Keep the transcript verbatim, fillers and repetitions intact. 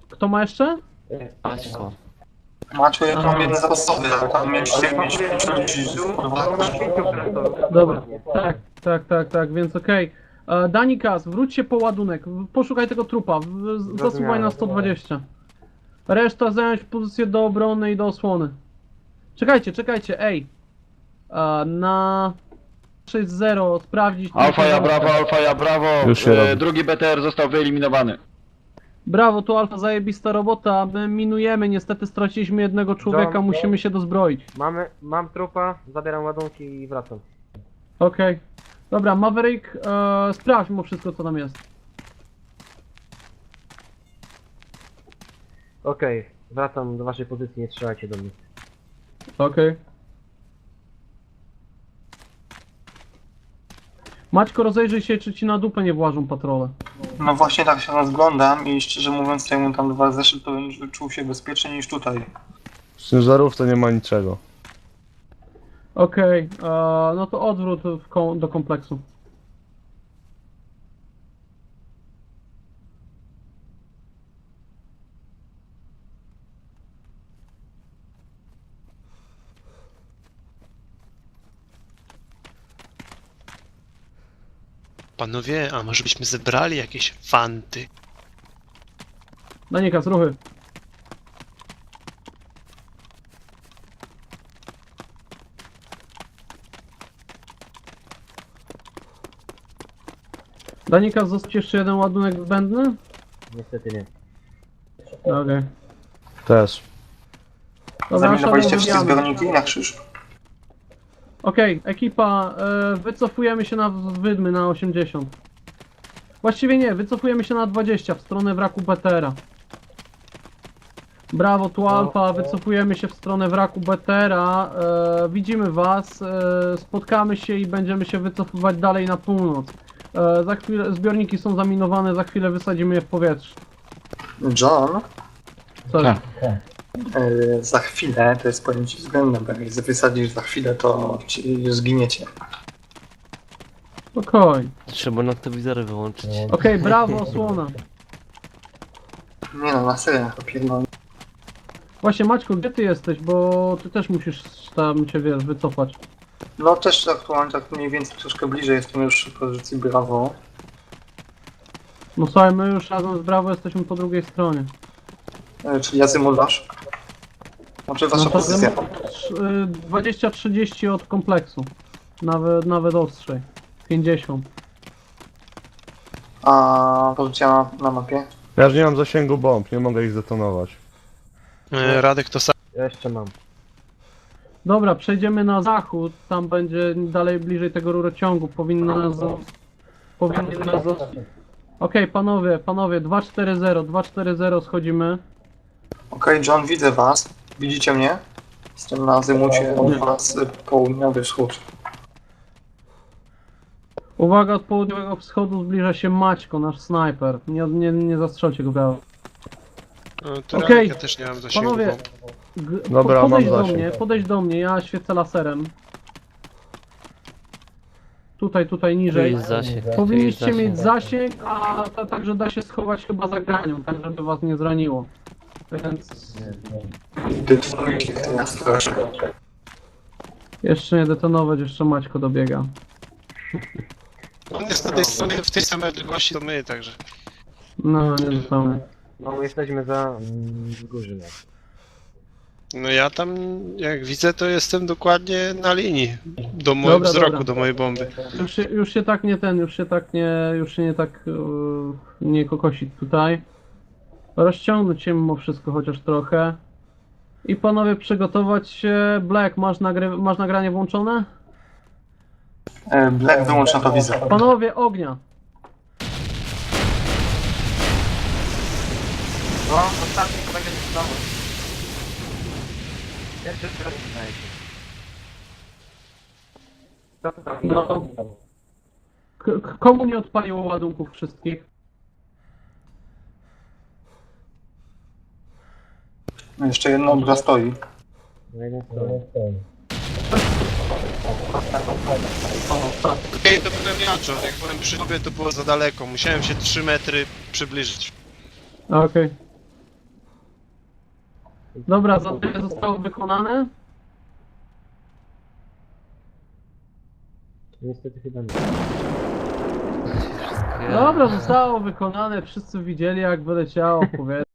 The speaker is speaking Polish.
Kto ma jeszcze? Paćko. Maciu, ja mam jeden zapasowy, ale tam mieliście mieć czterdzieści. Dobra, tak, tak, tak, tak, więc okej. Okay. Danikas, wróć się po ładunek, poszukaj tego trupa, w- zasuwaj na sto dwadzieścia. Reszta zająć pozycję do obrony i do osłony. Czekajcie, czekajcie, ej. E, na sześć zero sprawdzić... Alfa ja brawo, alfa ja brawo. Już się E, robi. drugi B T R został wyeliminowany. Brawo, tu Alfa, zajebista robota, my minujemy, niestety straciliśmy jednego człowieka, John, musimy się dozbroić. Mamy, mam trupa, zabieram ładunki i wracam. Okej. Okay. Dobra, Maverick, e, sprawdź mu wszystko, co tam jest. Okej, okay, wracam do waszej pozycji, nie strzelajcie do mnie. Okej. Okay. Maćko, rozejrzyj się, czy ci na dupę nie włażą patrole. No właśnie tak się rozglądam i szczerze mówiąc, jakbym tam dwa zeszedł, to bym czuł się bezpieczniej niż tutaj. W ciężarówce nie ma niczego. Okej, okay. No to odwrót w kom do kompleksu. Panowie, a może byśmy zebrali jakieś fanty? Danikas, ruchy. Danikas, został jeszcze jeden ładunek zbędny? Niestety nie. Okej. Okay. Też. Zaminowaliście wszystkie zbiorniki na krzyż? Okej, okay, ekipa, e, wycofujemy się na wydmy na osiemdziesiąt. Właściwie nie, wycofujemy się na dwadzieścia w stronę wraku B T R-a. Brawo, tu Alfa, wycofujemy się w stronę wraku B T R-a. E, widzimy was, e, spotkamy się i będziemy się wycofywać dalej na północ. E, za chwilę, zbiorniki są zaminowane, za chwilę wysadzimy je w powietrze. John? Co? Tak. Yy, za chwilę, to jest pojęcie względne, bo jak wysadzisz za chwilę, to ci zginiecie. Spokojnie. Trzeba noktowizory wyłączyć. Okej, okay, brawo, osłona. Nie no, na serio, opierdolę. Właśnie, Maćku, gdzie ty jesteś, bo ty też musisz tam cię, wiesz, wycofać. No też aktualnie tak mniej więcej troszkę bliżej jestem już przy pozycji brawo. No słuchaj, my już razem z Brawo jesteśmy po drugiej stronie. Yy, czyli Azymut wasz? Znaczy wasza No to pozycja. dwadzieścia trzydzieści od kompleksu. Nawet, nawet ostrzej. pięćdziesiąt. A pozycja na, na mapie? Ja już nie mam zasięgu bomb, nie mogę ich zdetonować. E, Radek to sam. Ja jeszcze mam. Dobra, przejdziemy na zachód. Tam będzie dalej bliżej tego rurociągu. Powinno nas... Powinien nas... Okej, okay, panowie, panowie, dwa cztery zero, dwa cztery zero schodzimy. Okej, okay, John, widzę was. Widzicie mnie? Jestem na azymucie od was południowy wschód. Uwaga, od południowego wschodu zbliża się Maćko, nasz snajper. Nie, nie, nie zastrzelcie go, Brawo. E, to Okej. Radek, ja też nie mam zasięgu. Panowie, bo- G Dobra, podejdź mam do zasięg. mnie, podejdź do mnie, ja świecę laserem. Tutaj, tutaj Tu niżej. jest zasięg. tu jest Powinniście zasięg. mieć zasięg, a ta, także da się schować chyba za granią, tak żeby was nie zraniło. Więc Detonujcie w tym straszy. jeszcze nie detonować, jeszcze Maćko dobiega. On jest na tej stronie w tej samej odległości to my, także. No, nie dostanę. No my jesteśmy za mm, Górzynem. No ja tam, jak widzę, to jestem dokładnie na linii. Do mojego Dobra, wzroku, dobra. do mojej bomby. Już się, już się tak nie ten, już się tak nie, już się nie tak yy, nie kokosić tutaj. Rozciągnąć się mimo wszystko chociaż trochę. I panowie przygotować się. Black, masz, nagry masz nagranie włączone? E, Black, wyłącz na to wizę. Panowie, ognia! No, ostatni będzie znowu. Jeszcze teraz znajdzie. Co to tam? No. K komu nie odpaliło ładunków wszystkich? Jeszcze jedna obra stoi. No jeden stoi. Okej, to byłem ja, John. Jak byłem przy tobie, to było za daleko. Musiałem się trzy metry przybliżyć. Okej. Okay. Dobra, zadanie zostało wykonane. Niestety chyba nie. Dobra, zostało wykonane. Wszyscy widzieli jak wyleciało, powiedzmy.